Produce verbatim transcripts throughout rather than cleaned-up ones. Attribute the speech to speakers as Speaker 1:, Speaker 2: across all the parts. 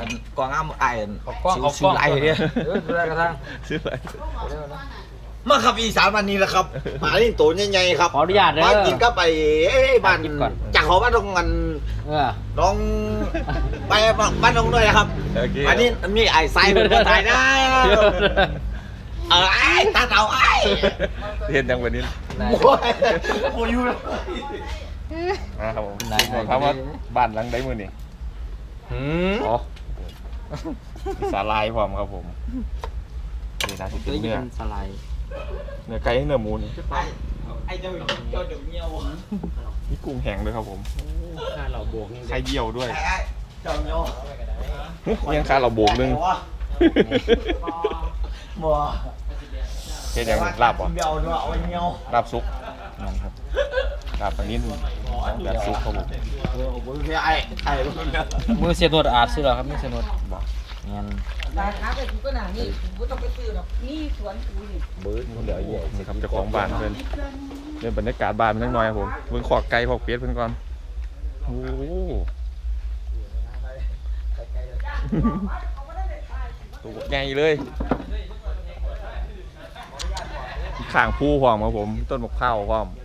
Speaker 1: กองอ้ามไอ้
Speaker 2: กล้องเขากล้องไอ้เนี่ยเอออะไรกันทั้ง
Speaker 3: ซื้อไป
Speaker 1: มาครับอีสานวันนี้แหละครับมาเล่นตัวใหญ่ๆครับ
Speaker 2: ขออนุญาตเด้อ
Speaker 1: มากินก็ไปเอ้บ้านจากหอบ้านตรงกัน
Speaker 2: เออ
Speaker 1: น้องไปบ้านน้องด้วยนะครับ
Speaker 3: โอเค
Speaker 1: อันนี้มีไอ้ไซเป็นคนถ่ายได้เออไอ้ตาเต่าไอ้
Speaker 3: เห็นยังวันนี้
Speaker 1: โอ้ยโอ้ยอยู่
Speaker 3: นะครับผมบอกครับว่าบ้านหลังใดมือนี่
Speaker 2: หืม
Speaker 3: อ๋อมีสาลายพร้อมครับผมนี่นะที่เป็นเนื้อ
Speaker 2: สไลด์
Speaker 3: เนื้อไก่เนื้อหมูนี่
Speaker 1: ไอ้เจ้าเจ้าเดือดเงี้ยว
Speaker 3: มีกุ้งแห้งด้วยครับผม
Speaker 2: ถ้าเราบวก
Speaker 3: ไข่เยี่ยวด้วย
Speaker 1: ไอ้ไอ้เจ้าเงี้ยว
Speaker 3: ยังคาเราโบกนึง
Speaker 1: บัว
Speaker 3: เฮ็ดยังลาบบ่
Speaker 1: เบี้ยวด้วยเอาเงี้ยว
Speaker 3: ลาบซุปนั่นครับลาบปลานิ่มแบบซุปครับผม
Speaker 1: เออผมแค่ไอ้ไอ้ลูกเนี่ย
Speaker 2: มือเสียนวดอาดซื้อหรอครับไม่เสียนวด
Speaker 3: บอก
Speaker 2: งั้น
Speaker 4: ราคาไปกูก็หนานี่กูต้องไปซื้อหรอกนี่สวนกูนี่
Speaker 3: บื้อเดี๋ยวเยี่ยนี่ครับเจ้าของบ้านเพิ่นเรื่องบรรยากาศบ้านมันนิดหน่อยครับผมเบิ่งขอกไก่ขอกเป็ดเพิ่นก่อนโอ้โหตัวใหญ่เลยข้างผู้พร้อมครับผมต้นมะพร้าวพร้อม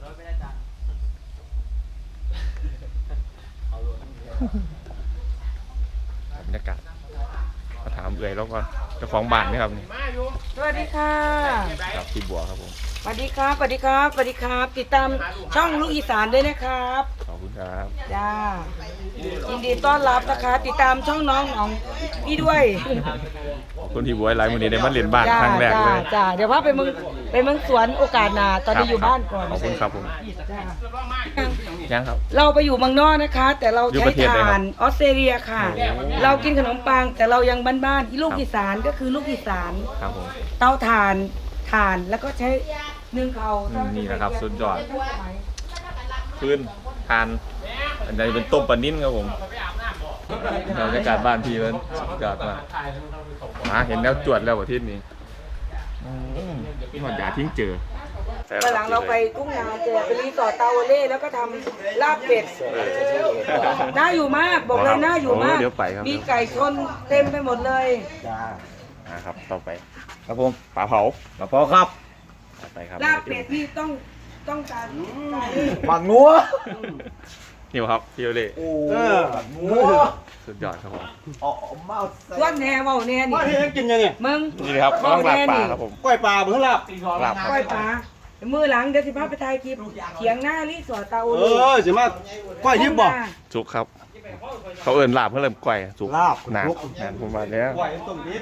Speaker 3: บรรยากาศมาถามเอื่อยแล้วก่อนเจ้าของบ้านนี่ครับนี่
Speaker 4: สวัสดีค่ะ
Speaker 3: กับพี่บัวครับผม
Speaker 4: สวัสดีครับสวัสดีครับสวัสดีครับ ติดตามช่องลูกอีสานด้วยนะครับ
Speaker 3: ขอบคุณครับ
Speaker 4: จ้ายินดีต้อนรับนะคะ ติดตามช่องน้องของพี่ด้วย
Speaker 3: ขอบคุณพี่บัวหลายวันนี้ได้มาเรียนบ้าน
Speaker 4: จ้า
Speaker 3: ครั้งแรก
Speaker 4: จ้า
Speaker 3: เลย
Speaker 4: จ้าเดี๋ยวพาไปเมืองไปเมืองสวนโอกาสหน้าตอนนี้อยู่บ้านก่อน
Speaker 3: ขอบคุณครับผม
Speaker 4: จ้า
Speaker 3: ยังครับ
Speaker 4: เราไปอยู่เมืองนอกนะคะ แต่เรา
Speaker 3: อยู่
Speaker 4: ใช้
Speaker 3: ประเทศไหนครับ
Speaker 4: ถ่านออสเตรเลียค่ะ เรากินขนมปังแต่เรายังบ้านๆลูกอีสานก็คือลูกอีสาน
Speaker 3: ครับผม
Speaker 4: เตาถ่านถ่านแล้วก็ใช้นึ่งเขา
Speaker 3: อืมนี่นะครับสุดยอด พื้นทานอันนี้เป็นต้มปลานิ่นครับผมบรรยากาศบ้านพี่มันสุดยอดมากมาเห็นแล้วจวดแล้วประเทศนี้อืมนี่หอดยาทิ้งเจอ
Speaker 4: วันหลังเราไปทุ่งนาเจอไปรีสอร์ทเตาเล่แล้วก็ทำลาบเป็ดน่าอยู่มากบอกเลยน่าอยู่มาก
Speaker 3: เดี๋ยวไปครับ
Speaker 4: มีไก่ชนเต็มไปหมดเลย
Speaker 1: จ้า
Speaker 3: นะครับต่อไป
Speaker 1: ครับผม
Speaker 3: ปลาเผา
Speaker 1: มาพอครับ
Speaker 3: ต่อไปครับ
Speaker 4: ลาบเป็ดนี่ต้องต้องการ
Speaker 1: หมักงัว
Speaker 3: นี่ครับพี่โอเล่
Speaker 1: เอองัว
Speaker 3: สุดยอดครับผม
Speaker 1: อ๋อมา
Speaker 4: ส่วนแหน่เว่าแหน่นี่
Speaker 1: ว่าที่กินยังไง
Speaker 4: มึง
Speaker 3: นี่นะครับกำลังลาบปลาครับผม
Speaker 1: กล้วยปลาเพิ่งหลับ
Speaker 3: ลาบ
Speaker 4: ก้อยปลามือหลังเดี๋ยวสิพาไปถ่ายคลิปเถียงหน้ารีสอร์ทเตา
Speaker 1: เอ
Speaker 4: เล่
Speaker 1: อสิมาก้อยทิพย์บอก
Speaker 3: จุกครับ เขาเอินลาบเพื่อเริ่มก่อยจุก
Speaker 1: ลาบ
Speaker 3: หนา
Speaker 1: จุก
Speaker 3: งานผมมาแล้ว
Speaker 1: ก้อยต้มทิพย์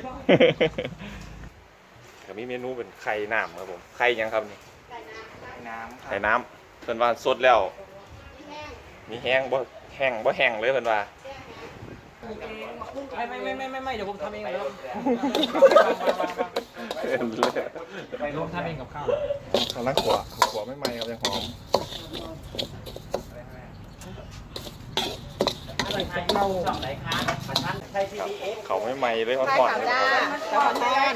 Speaker 3: ก็มีเมนูเป็นไข่น้ำครับผมไข่ยังครับนี่
Speaker 1: น้ำ
Speaker 3: ไข่น้ำเพิ่นว่าสดแล้ว มีแห้งบ่แห้งบ่แห้งเลยเพิ่นว่า
Speaker 2: ไม่ไม่ไม่ไม่ไม่เดี๋ยวผมทำเองเลย
Speaker 3: ไป
Speaker 2: ผมทำเองกับข้าว
Speaker 3: กำลังขวขวไม่ไหม้ครับยังหอม
Speaker 4: เรา
Speaker 3: เขาไม่ไหม้เลยอ่อนๆเลยครับ
Speaker 4: แล้วก็แทน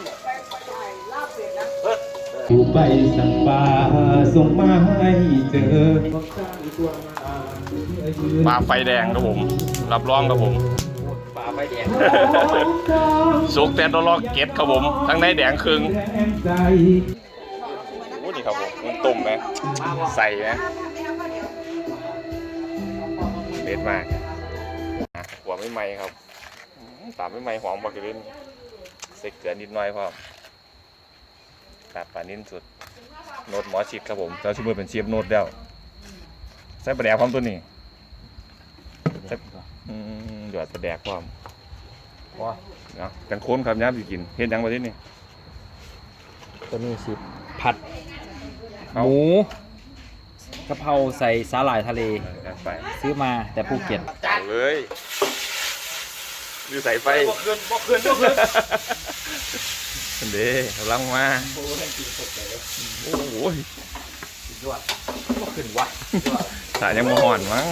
Speaker 5: อยู่ไปสั่งปลาส่งมาให้เจอ
Speaker 3: ปลาไฟแดงครับผม รับรองครับผม
Speaker 2: ปลาไฟแดง
Speaker 3: สุกแต่ตลอดเก็ดครับผม ทั้งในแดงครึ่ง
Speaker 5: แรงใจ
Speaker 3: โอ้นี่ครับผมมันตุ่มไหมใส่ไหมเด็ดมากอ่ะหัวไม่ไหม้ครับอืมตามไม่ไหม้หอมบักกะลินใส่เกลือนิดหน่อยพอตัดปลานิ่นสุดโนดหมอชิดครับผมเจ้าชิมือเป็นเชียบโนดแล้วใส่ปลาแดกพร้อมตัวนี้ใส่อืมหยอดปลาแดกพร้อม
Speaker 2: ว้า
Speaker 3: เนาะกันโค้นครับย้ำสิกินเฮ็ดหยังประเทศนี้
Speaker 2: ตัวนี้สิผัดห
Speaker 3: เอา
Speaker 2: มูกะเพราใส่สาหร่ายทะเล
Speaker 3: เอาไป
Speaker 2: ซื้อมาแต่ภูเก็ต
Speaker 3: เอาเลยดูสายไฟ
Speaker 1: บอกคืนบอกคืนบอกคืน
Speaker 3: อันเด้กำลังมาโอ้โห
Speaker 1: บอกคืนวะ
Speaker 3: สายยังมาห่อนมั้ง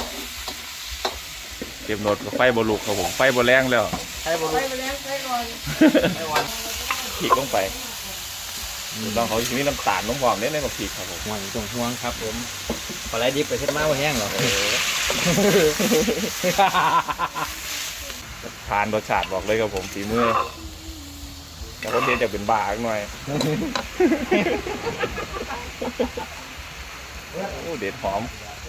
Speaker 3: เก็บโนดกับไฟบลุกครับผมไฟบแรงแล้ว
Speaker 1: ใช่บอล
Speaker 4: ไปไปแล้วไปก่อน
Speaker 3: พริกลงไปลองเขาจะมีน้ำตาลน้ำหอมเน้นในบักพริกครับผม
Speaker 2: ห่วงตรงห่วงครับผมปลาไหลดิบไปเช็ดมาว่าแห้งเหรอ
Speaker 3: เออทานรสชาติบอกเลยครับผมฝีมือแต่คนเรียนจะเป็นบ้าหน่อยโอ้เด็ดหอม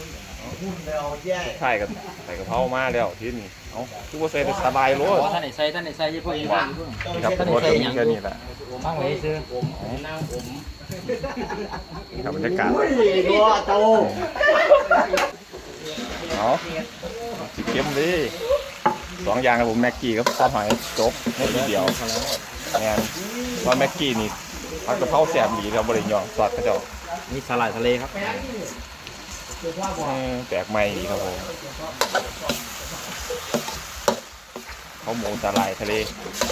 Speaker 3: ใช่กันใส่กะเพรามาแล้วที่นี่เอ้าทุกคนใส่แต่สบายรส
Speaker 2: ท่านไหนใส่ท่านไหนใส่ยี่ห้อยี่ห้อยี่ห้อ
Speaker 3: นี่ครับรสจะมีแค่นี้แหละ
Speaker 2: ตั้งไว้ซื้อ
Speaker 3: นี่ครับบรรยากาศ
Speaker 1: ตัวโต
Speaker 3: เอาสีเข้มดิสองอย่างครับผมแม็กกี้กับซอสหอยจบไม่ทีเดียวงานว่าแม็กกี้นี่ผัดกะเพราแซ่บดีครับบริยองซอสกระเจ้า
Speaker 2: นี่สลัดทะเลครับ
Speaker 3: เออแปลกใหม่ดีครับผมข้าวหมูสาหร่ายทะเล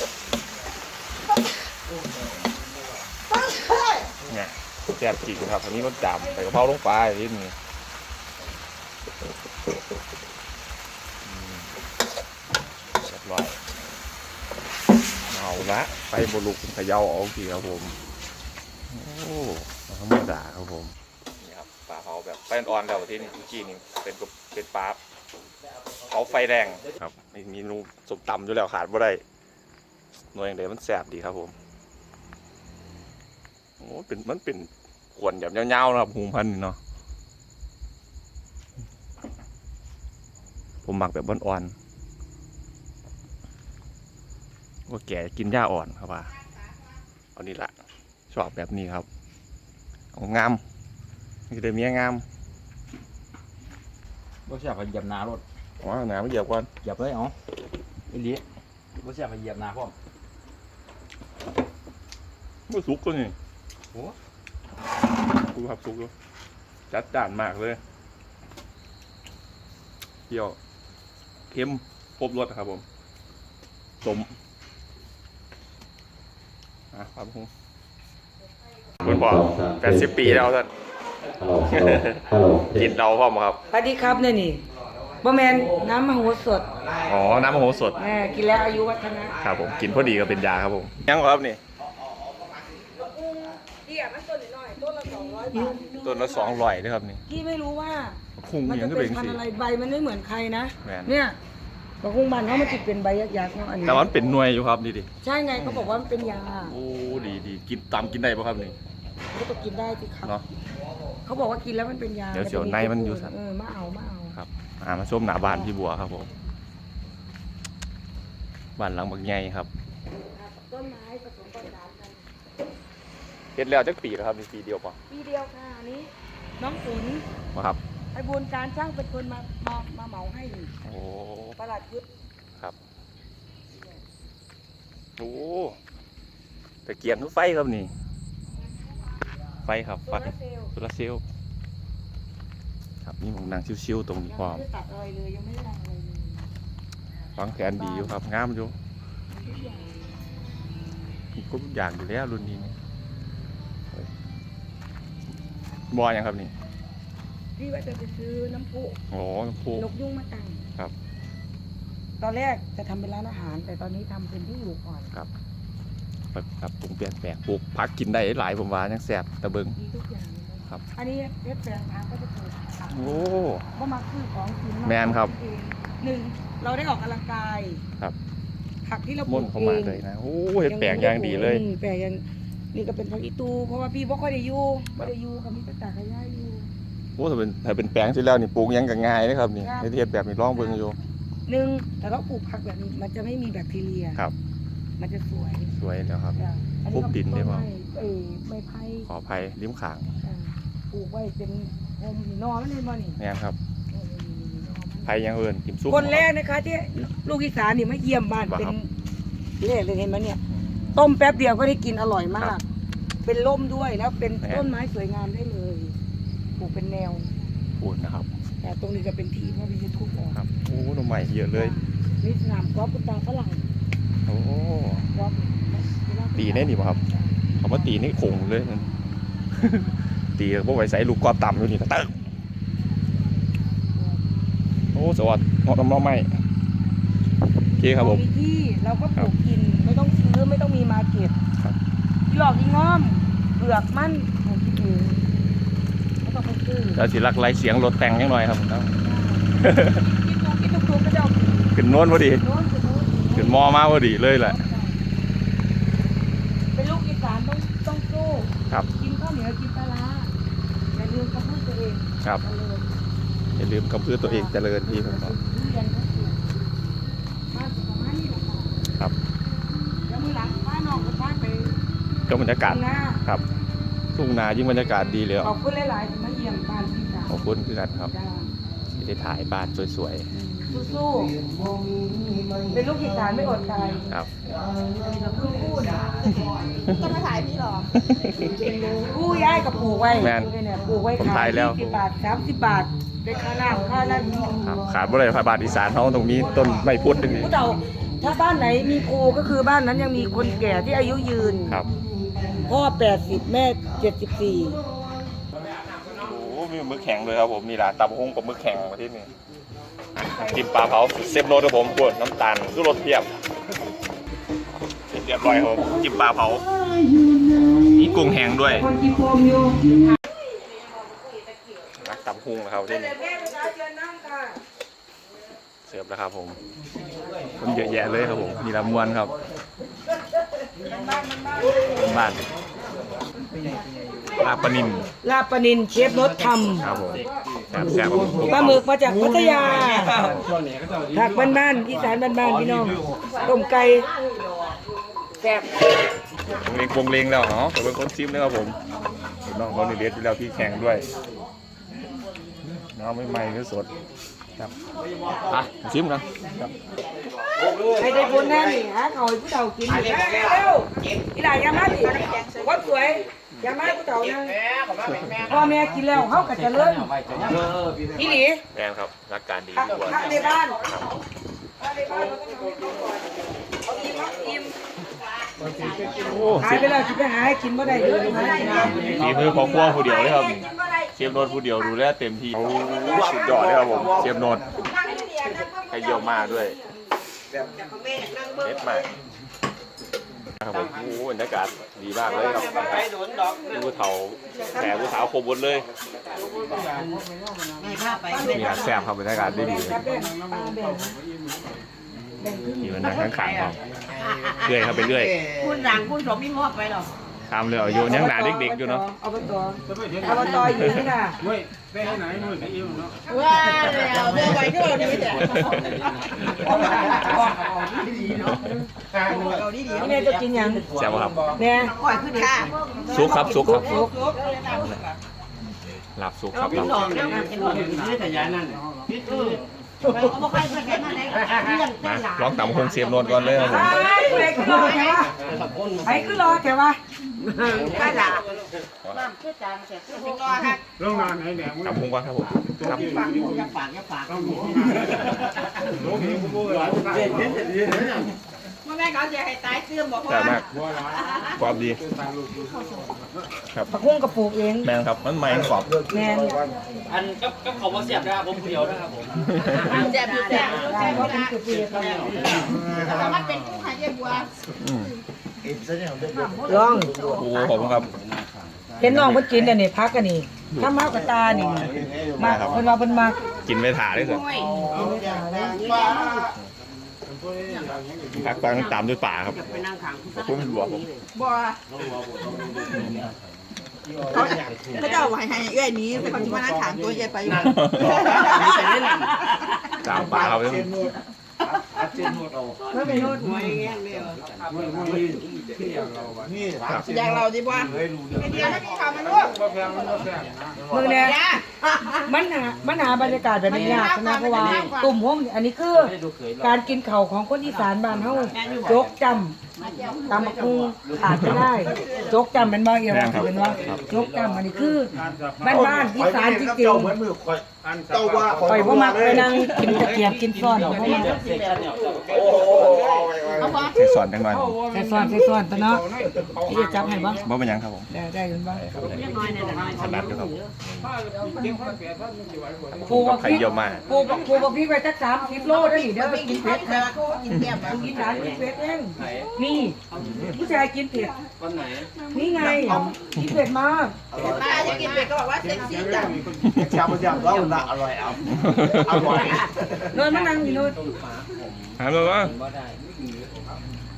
Speaker 3: เนี่ยแซ่บจริงครับอันนี้ก็จำใส่กะเพราลงไปนิดนึงเรียบร้อยเอาละไปบลุกเขย่าออกทีครับผมโอ้ธรรมดาครับผมนี่ครับปลาเผาแบบไฟอ่อนๆแล้วที่นี่เมื่อกี้นี่เป็นกับเป็นปลาเผาไฟแรงครับมีเมนูสมตำอยู่แล้วขาดบ่ได้หน่วยอย่างเดียวมันแซ่บดีครับผมโอ้เป็นมันเป็นขวดแบบยาวๆนะครับหูพันเนาะผมหมักแบบอ่อนๆว่าแก่กินหญ้าอ่อนครับว่าเอานี่ละชอบแบบนี้ครับเอางามนี่เดี๋ยวมีงาม
Speaker 2: บ่ใช่ไปเหยียบนารถ
Speaker 3: อ๋อหนาไม่เหยียบก่อน
Speaker 2: เหยียบเลยอ๋อไอ้เลี้ยบ่ใช่ไปเหยียบนาพ่อม
Speaker 3: ไม่สุกก็นี่โอ้กูขับสุกแล้วจัดจ้านมากเลยเปรี้ยวเค็มครบรสครับผมสมอ่ะครับผมคุณพ่อแปดสิบปีแล้วท่าน
Speaker 5: ฮัลโหลฮัลโหล
Speaker 3: กินเราพ่อมครับ
Speaker 4: สวัสดีครับเนี่ยนี่บะแมนน้ำมะโหสถ
Speaker 3: อ๋อ น้ำมะโหสถ
Speaker 4: แม่กินแล้วอายุวัฒนะครับ
Speaker 3: ผม กินพอดีก็เป็นยาครับผม ยังครับนี่
Speaker 4: พี่อ่ะมันต้นหน่อยต้นละสองร้อยบาท
Speaker 3: ต้นละสองร้อยนะครับนี่
Speaker 4: พี่ไม่รู้ว่า
Speaker 3: คุ้ง
Speaker 4: มัน
Speaker 3: ยั
Speaker 4: จะ
Speaker 3: งก็
Speaker 4: เป็
Speaker 3: เป็น น
Speaker 4: พัน
Speaker 3: สี
Speaker 4: ธุ์อะไรใบมันไม่เหมือนใครนะ
Speaker 3: แม่น
Speaker 4: เนี่ยบะคุงบันเขามันติดเป็นใบยักษ์ๆเนาะอันนี้
Speaker 3: แต่ว่ามันเป็นหน่วยอยู่ครับนี่ดิ
Speaker 4: ใช่ไงเขาบอกว่ามันเป็นยา
Speaker 3: โอ้ ดีดีกินตามกินได้ป่ะครับนี่
Speaker 4: ก็ต้องกินได้สิครับ
Speaker 3: เนาะ
Speaker 4: เขาบอกว่ากินแล้วมันเป็นยา
Speaker 3: เดี๋ยวเสียวในมันอยู่สัตว์
Speaker 4: เออมาเอามาเอา
Speaker 3: ครับ อ่า มาชมหนาบานพี่บัวครับผมบ้านหลังบักใหญ่ครับ
Speaker 4: ต้นไม้ผสมประสานกัน
Speaker 3: เฮ็ดแล้วจักปีแล้วครับนี่ปีเดียวป่ะ
Speaker 4: ปีเดียวค่ะอันนี้ น้องฝน
Speaker 3: มาครับ
Speaker 4: ไอ้บุญการช่างเป็นคนมามามาเหมาให้
Speaker 3: โอ้
Speaker 4: ประหลัดยุทธ
Speaker 3: ครับโอ้ตะเกียงทุกไฟครับนี่ ไฟครับ
Speaker 4: โซ
Speaker 3: ไฟ
Speaker 4: ลาร์เซลล์
Speaker 3: โซลาร์เซลล์ครับนี่ผมนั่งชิวๆตรงนี้
Speaker 4: ยัง
Speaker 3: พร้อ
Speaker 4: ไม่
Speaker 3: ม
Speaker 4: ได้ตัดอะไรเลยยังไม่ได้ทำอะไรเลย
Speaker 3: วางแผนดีอยู่ครับงามอยู่
Speaker 4: ทุกอย่าง
Speaker 3: มีครบทุกอย่างอยู่แล้วรุ่นนี้นี่เฮ้ยบอยังครับนี่
Speaker 4: พี่ว่าจะไปซื้อน้ำพุ
Speaker 3: โอ้น้ำพุ
Speaker 4: นกยุงมาตั้ง
Speaker 3: ครับ
Speaker 4: ตอนแรกจะทำเป็นร้านอาหาร แต่ตอนนี้ทำเป็นที่อยู่ก่อน
Speaker 3: ครับแบบครับปรุงเปลี่ยนแปลงปลูกผักกินได้หลายผมว่ายังแซ่บตะเบิง
Speaker 4: ดีทุกอย่างเลย
Speaker 3: ครับ
Speaker 4: อันนี้เพชรแปลงพักก็จะปลูกผัก
Speaker 3: โอ้
Speaker 4: ก็มาซื้อของกิน
Speaker 3: แมนครับ
Speaker 4: เองหนึ่งเราได้ออกกำลังกาย
Speaker 3: ครับ
Speaker 4: ผักที่เราปลู
Speaker 3: ม่น
Speaker 4: ก
Speaker 3: เข้า
Speaker 4: เอ
Speaker 3: มาง เลยนะโอ้เห็ดแปลงอย่างดีเลย
Speaker 4: อืมแปลงอย่างนี่ก็เป็นผักอีตู เพราะว่าพี่บ่ค่อยได้อยู่บ่ได้อยู่กับมีแต่ตากระย่าอยู่
Speaker 3: โอ้ถ้าเป็นถ้าเป็นแปลงที่แล้วนี่ปลูกหยังก็ง่ายนะครับนี่
Speaker 4: ครับ
Speaker 3: เฮ็ดแบบนี้ลองเบิ่งอยู่
Speaker 4: หนึ่งแต่เราปลูกผักแบบนี้มันจะไม่มีแบคทีเรีย
Speaker 3: ครับ
Speaker 4: มันจะสวย
Speaker 3: สวยแล้วครับ
Speaker 4: จ้ะอั
Speaker 3: ปลูกดินได้ปะ
Speaker 4: ต้ม้เอ้ยไม้ไผ่
Speaker 3: ขออภัยริมขาง
Speaker 4: อ่าปลูกไว้เป็นโฮมนี่นอนไม่ได้บ่นี่
Speaker 3: แม่นครับ
Speaker 4: เออนี่นี่นอนมัน
Speaker 3: ไผยังเอิ้นกิมซุป
Speaker 4: คนแรกนะคะที่ลูกอีสานนี่มาเยี่ยมบ้าน
Speaker 3: ว่า
Speaker 4: เป็น
Speaker 3: ครับ
Speaker 4: แรกเลยเห็นไหมเนี่ย ต้มแป๊บเดียวก็ได้กินอร่อยมา
Speaker 3: ครั
Speaker 4: ก
Speaker 3: บ
Speaker 4: เป็นร่มด้วยแล้วเป็น
Speaker 3: แหม่
Speaker 4: ต้นไม้สวยงามได้เลยปลูกเป็นแนว
Speaker 3: พูดนะครับ
Speaker 4: แต่ตรงนี้ก็เป็นที่เพราะพี่จะทุบออก
Speaker 3: ครับโอ้หน่อใหม่เยอะเลย
Speaker 4: นี่สนามกอล์ฟคุณตาฝรั่ง
Speaker 3: โอ้
Speaker 4: กอล์ฟ
Speaker 3: ตีแน่นี่บ่ครับ เขามาตีนี่โขงเลย นั่น ตีพวกไว้ใส่ลูกกอล์ฟต่ำอยู่นี่ตะเตึกโอ้สวัสดิ์เหมาะกับน้องใหม่โอเคครับผม
Speaker 4: มีที่เราก็ปลูกกินไม่ต้องซื้อไม่ต้องมีมาร์เก็ต
Speaker 3: ครับ
Speaker 4: ที่หลอกอีง้อมเปลือกมันปลูกกินเองไม่ต้องไปซื้อ
Speaker 3: แล้วสิรักไล่เสียงรถแต่งยังหน่อยครับผม
Speaker 4: กินถูกกินถูกๆก็จะเอา
Speaker 3: ขึ้นโน้นพอดี
Speaker 4: โน้นคือโน้น
Speaker 3: ขึ้นมอมาพอดีเลยแหละ
Speaker 4: เป็นลูกอีสานต้องต้องสู้
Speaker 3: ครับ
Speaker 4: กินข้าวเหนียวกินปลาร้าอย่าลืมกระพุ้ตัวเอง
Speaker 3: ครับ
Speaker 4: เจริญ
Speaker 3: อย่าลืมกำพือตัวเองเจริญพี่ผมบอก
Speaker 4: ทุเรียนก็ปลูกบ้านสุขภาพนี่แหละค่ะ
Speaker 3: ครับ
Speaker 4: แล้วมือหลังพาน้องกับพาไป
Speaker 3: ก็บรรยากาศ
Speaker 4: ทุ่งนา
Speaker 3: ครับทุ่งนายิ่งบรรยากาศดีเลย
Speaker 4: ขอบคุณหลายๆที่มาเยี่ยมบ้านพี่สาว
Speaker 3: ขอบคุณคือกันครับ
Speaker 4: จ้า
Speaker 3: ที่ได้ถ่ายบ้านสวย
Speaker 4: สู้ๆเป็นลูกอีสานไม่อดตาย
Speaker 3: ๆครับ
Speaker 4: ลูกพูดนะ
Speaker 6: จะมาถ่ายพี่หรอ
Speaker 4: กู้ย้ายกับปลูกไว้
Speaker 3: แม่น
Speaker 4: เนี่ยปลูกไว้
Speaker 3: ผม
Speaker 4: ขา
Speaker 3: ถ่าย ยแล้ว
Speaker 4: ยี่สิบบาทสามสิบบาทได้ค่าน้ำค่านั่น
Speaker 3: ครับขาดบ่ได้พาบาทอีสานเขาตรงนี้ต้นไม้พุทธนี่
Speaker 4: ผู้เฒ่าถ้าบ้านไหนมีครูก็คือบ้านนั้นยังมีคนแก่ที่อายุยืน
Speaker 3: ครับ
Speaker 4: พ่อแปดสิบแม่เจ็ดสิบสี่
Speaker 3: โอ้มีมึกแข็งเลยครับผมนี่แหละตำหุ้งกับมึกแข็งมาที่นี่จิ้มปลาเผาเซฟโรสครับผมกวนน้ำตาลคือรสเทียบเรียบร้อยครับผมจิ้มปลาเผามีกุ้งแห้งด้วย
Speaker 4: คนกินโฟมอยู่
Speaker 3: รักตำหุ้งนะครับที่นี่
Speaker 4: แม่ประชาชนน้ำค่ะ
Speaker 3: เสิร์ฟแล้วครับผมคนเยอะแยะเลยครับผมมีลำมวนครับบ้านลาบปลานิน
Speaker 4: ลาบปลานินเชฟรสท
Speaker 3: ครับผมแซ่บแซ่บครับผม
Speaker 4: ำปลาหมึกมาจากพัทยาผักบ้านๆอีสานบ้านๆพี่น้องต้มไก่แซ่บ
Speaker 3: วงเลงวงเลงแล้วเนาะผมเป็นคนซิมนะครับผมเห็นน้องเขาในเลียดอยู่แล้วพี่แข่งด้วยน้องไม่ใหม่ก็สดครับอ่ะซิมกันครับ
Speaker 4: ใครได้บุญแน่นี่ฮะเขาให้ผู้เฒ่ากินเร็วอีหลายยามาดิวัดสวยยามาผู้เฒ่านั่งพ่อแม่กินแล้วเขาก็จะเลิ่นอีหลี
Speaker 3: แมนครับรักการดี
Speaker 4: พระ
Speaker 3: ดีกว่า
Speaker 4: พระในบ้านพระในบ้านเราต้องทำให้เขาก่อนเอาอิ่มเอาอิ่ม
Speaker 3: โอ้
Speaker 4: หายไปแล้วจะไปหาให้กินบ่ได้เยอะหากินได้
Speaker 3: ฝีมือของครัวผู้เดียวเลยครับเชฟโนดผู้เดียวดูแลเต็มที่สุดยอดเลยครับผมเชฟโนดให้เยี่ยมมากด้วยเด็ดมากครับผมโอ้บรรยากาศดีมากเลยครับดูเถาแผลดูเถาคมหมดเลยมีอาแซ่บครับบรรยากาศดีดี
Speaker 4: ครับแบ่งปลาแบ่งแบ่งครึ่ง
Speaker 3: มีมันนั่งข้างๆครับเรื่อยครับไปเรื่อย
Speaker 6: คุณหลังคุณสมมีมอบไปหรอ
Speaker 3: ทำเลยอายุยังหนาเด็กๆอยู่เนาะ
Speaker 4: เอาไปต่อเอาไปต่ออยู่นี่ค่ะ
Speaker 6: ว้าวแล้วเดินไปก็เราดีแต่เราดีดี
Speaker 4: แม่จะกินยัง
Speaker 3: แซ่บครับ
Speaker 4: แม่
Speaker 6: ปล่อยขึ้นค่ะ
Speaker 3: ซุกครับซุกครับ
Speaker 4: ลุก
Speaker 3: หลับซุกครับหลับ
Speaker 6: ลองนะเขาบอกให้เพื่อนแค่มาเลยเรื่อง
Speaker 3: มา
Speaker 6: หลาน
Speaker 3: ลองตำคงเสียบโนนก่อนเลยครับผม
Speaker 4: ไอ้เด็กรอแถวะไอ้คือรอแถวะ
Speaker 6: ข้าหลานน้ำเชื่อจางเสียคือรอค่ะ
Speaker 3: ตำคงก่อนครับผมครับ
Speaker 6: ฝากอย่าฝากอย่าฝากมื่อแม่เขาจะให้ตายเสื่อมบอก
Speaker 3: แซ่บ
Speaker 6: ว่า
Speaker 3: มากความดีครับ
Speaker 4: ผักบุ้งกระปลูกเอง
Speaker 3: แมงครับมันไม่กรอบ
Speaker 4: แม่น
Speaker 2: อันก็ก็เขาว่าเสียบนะครับผมเดียวนะครับผม
Speaker 6: แซ่บอยู่แซ่บ
Speaker 4: ได้เพราะเป็นกระเปียก
Speaker 6: แต่มันเป็นกุ้งไข่เยี่ยบัว
Speaker 3: อืม
Speaker 4: ลอง
Speaker 3: โอ้ขอบคุณครับ
Speaker 4: เห็นน้องเพิ่นกินแต่นี่พักกันนี่ถ้ามากกับตานี่มากเพิ่นว่าเพิ่นมาก
Speaker 3: กินไม่ถ่าได้สิพักฟังตามด้วยป่าครับขอบคุณเป็นบวกผม
Speaker 6: บัวเขาจะเอาไว้ให้เอื้อยนี้แต่เขาจะมานั่งถามตัวใหญ่ไปอยู่
Speaker 3: ตามป่าครับ
Speaker 4: ไม่เป็นโนด
Speaker 6: อย่างเราดีกว่าเดี๋ยวถ้ามีข่าวมันรู้
Speaker 4: มึงเนี่ยมันหามันหาบรรยากาศแบบนี้ยากนะเพราะว่าตุ่มห้องอันนี้คือการกินเข่าวของคนอีสานบ้านเฮาโจกจำตำบักหุ่งขาดไม่ได้โจกจำเป็นบ่เอียวเป็นว่าโจกจำอันนี้คือบ้านบ้านอีสานจริงๆ
Speaker 1: เจ้าว่า
Speaker 4: ปล่อยพ่อมักไปนั่งกินตะเกียบกินซ้อนพ่อมัก
Speaker 1: โอ้โห
Speaker 3: ใส่สอนจังหน่อย
Speaker 4: ใส่ซ้อนใส่ซ้อนตัวเนาะพี่จะจับให้บ่
Speaker 3: บ่เป็นหยังครับผม
Speaker 4: ได้ได้ยินบ่
Speaker 3: ถนัดอยู่ครับ
Speaker 4: ปูบัก
Speaker 3: ไข่
Speaker 4: พริก
Speaker 3: เยี่ยวมา
Speaker 4: ปูบักปูบักพริกไปจักสามสิบโลได้เด้อกินเผ็ด
Speaker 6: แต่ว่าเขากินแก้มแบบ
Speaker 4: กินหลานกินเผ็ดเองนี่ผู้ชายกินเผ็ด
Speaker 2: วันไหน
Speaker 4: นี่ไงกินเผ็ดมาก
Speaker 6: ป้าจะกินเป็ดก็บอกว่าเซ็กซี่จัง
Speaker 1: ชาบูชาบูแล้วละอร่อยเอาอร่อย
Speaker 4: นอนมานั่งอยู่นู่น
Speaker 3: ถามเลยว่า
Speaker 2: บ่ได้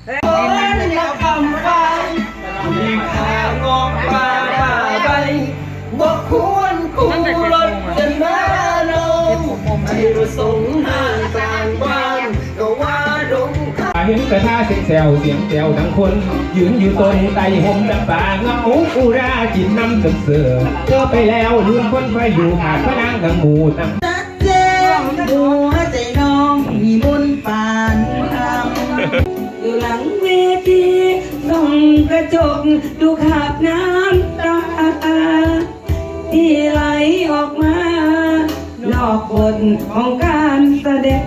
Speaker 4: นักคำฟังมีข่าวงอกป่าป่าใบบ่ควรคู่รถจะมาโนให้ประสงค์ห้างกลางบ้านก็ว่าดง
Speaker 5: เห็นกระทาเสียงแซวเสียงแซวดังคน ยืนอยู่ต้นไต่ห่มดับป่าเงาอุราจินน้ำเสือเสือเจอไปแล้วลืมคนไฟอยู่ขาดพระนางดังหมูตั้ง
Speaker 6: ชัดเจนหัวใจน้องมีมนต์ปานคำ
Speaker 4: อยู่หลังเวทีส่องกระจกดูขาบน้ำตาที่ไหลออกมานอกบทของการแสดง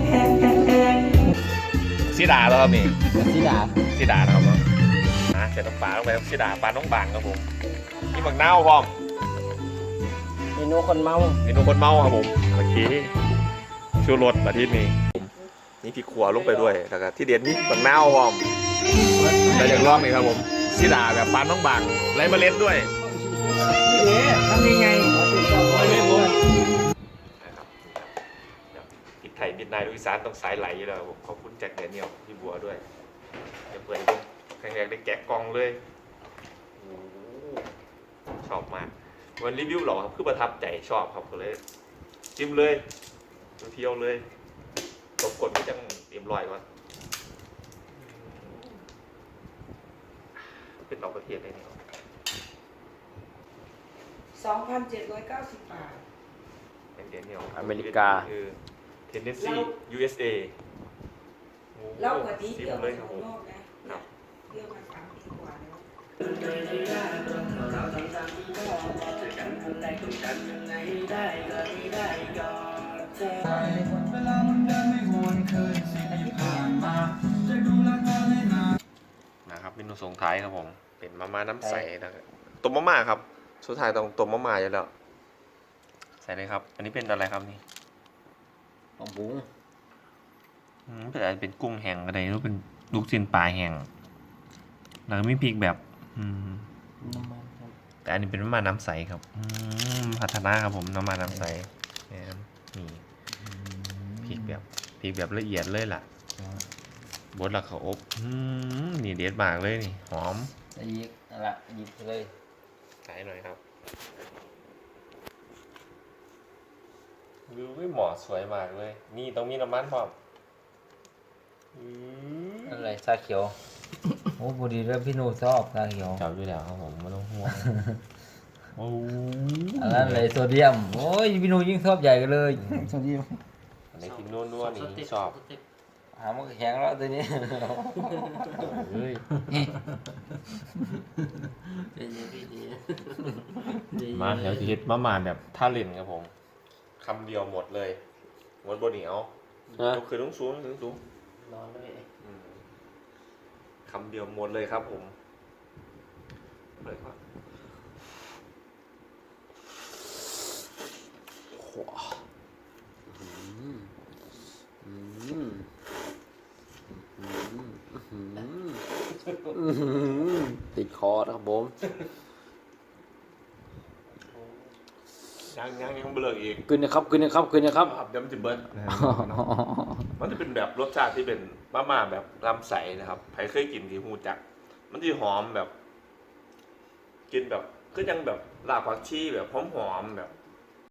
Speaker 3: สีดาแล้วครับนี่
Speaker 1: ที่ด่า
Speaker 3: สีดานะครับผมอ่ะใส่น้ำปลาลงไปครับสีดาปลาน้องบางครับผมนี่บักนาวพร้อม
Speaker 1: เมนูคนเมา
Speaker 3: เมนูคนเมาครับผมโอเคชูรสมาที่นี่นี่พริกขัวลงไปด้วยแล้วก็ที่เด็ดนี่บักนาวพร้อมแล้วอย่างรอบนี้ครับผมสีดาแบบปลาน้องบางไรเมล็ดด้วย
Speaker 4: ทำยังไง
Speaker 3: ติดไทยมิดไนท์ลูกอีสานต้องสายไหลอยู่แล้วผมขอบคุณแจ็คแดเนียลพี่บัวด้วยเดี๋ยวเปิดดูครั้งแรกได้แกะกล่องเลยโอ้โหชอบมากวันรีวิวหรอครับคือประทับใจชอบครับก็เลยจิ้มเลยเที่ยวเลยตบกดไม่จังเตรียมรอยก่อนเป็นต่อประเทศได้เนี่ย
Speaker 4: สองพันเจ็ดร้อยเก้าสิบบาท
Speaker 3: เป็นเดนเนียล
Speaker 1: อเมริกา
Speaker 3: คือเทนเนสซี ยู เอส เอ
Speaker 4: เล่ากว่านี้
Speaker 3: ซิ
Speaker 4: เที่ยว
Speaker 3: มเล
Speaker 4: มาย
Speaker 3: ค
Speaker 4: ข้า
Speaker 3: รับผม
Speaker 4: งนอกนะเที่ยวมาสามปีกว่าแล้ว
Speaker 3: นะครับเมนูส่งท้ายครับผมเป็นมาม่าน้ำใสนะครับต้มมาม่าครับสุดท้ายต้องต้มมาม่าอยู่แล้วใส่เลยครับ อันนี้เป็นอะไรครับนี่
Speaker 1: ของบุ้ง
Speaker 3: อืมเป็นอะไรเป็นกุ้งแห้งอะไรหรือเป็นลูกชิ้นปลาแห้งแล้วก็มีพริกแบบ อืม
Speaker 1: น้ำมันครับ
Speaker 3: แต่อันนี้เป็นมาม่าน้ำใสครับอืมพัฒนาครับผมน้ำมันน้ำใสเนี่ยนี่พริกแบบพริกแบบละเอียดเลยล่ะบดแล้วเขาอบอืมนี่เด็ดมากเลยนี่หอม
Speaker 1: แล้วยิกนั่นละหยิบเลย
Speaker 3: ใส่หน่อยครับวิวไม่เหมาะสวยมากเลย นี่ต้องมีน้ำมันพร้อมอืม
Speaker 1: อะไรชาเขียวโอ้พอดีแล้วพี่โนชอบชาเขียว
Speaker 3: จับด้วยแล้วครับผมไม่ต้องห่วงโอ้
Speaker 1: อันนั้นเลยโซเดียมโอ้ยพี่โนยิ่งชอบใหญ่กันเลยโซเดียม
Speaker 3: อันนี้กินนวลนวลนี่ชอบ
Speaker 1: หามันแข็งแล้วตัวนี้
Speaker 3: เฮ้ยมาเดี๋ยวจะเฮ็ดมาม่าแบบท่าเล่นครับผมคำเดียวหมดเลยหมดบนเหนียวก็คือต้องสูงถึงสูง
Speaker 1: นอนเลย
Speaker 3: อืมคำเดียวหมดเลยครับผมเลยครับ
Speaker 1: ติดคอนะครับผม
Speaker 3: ยังยังยังเบลออีก
Speaker 1: กินนะครับกินนะครับกินนะครับ
Speaker 3: เดี๋ยวมันจะเบิร์นมันจะเป็นแบบรสชาติที่เป็นมาม่าแบบลำใสนะครับใครเคยกินที่ฮูจัก มันจะหอมแบบ กินแบบก็ยังแบบลาบผักชีแบบหอมๆแบบ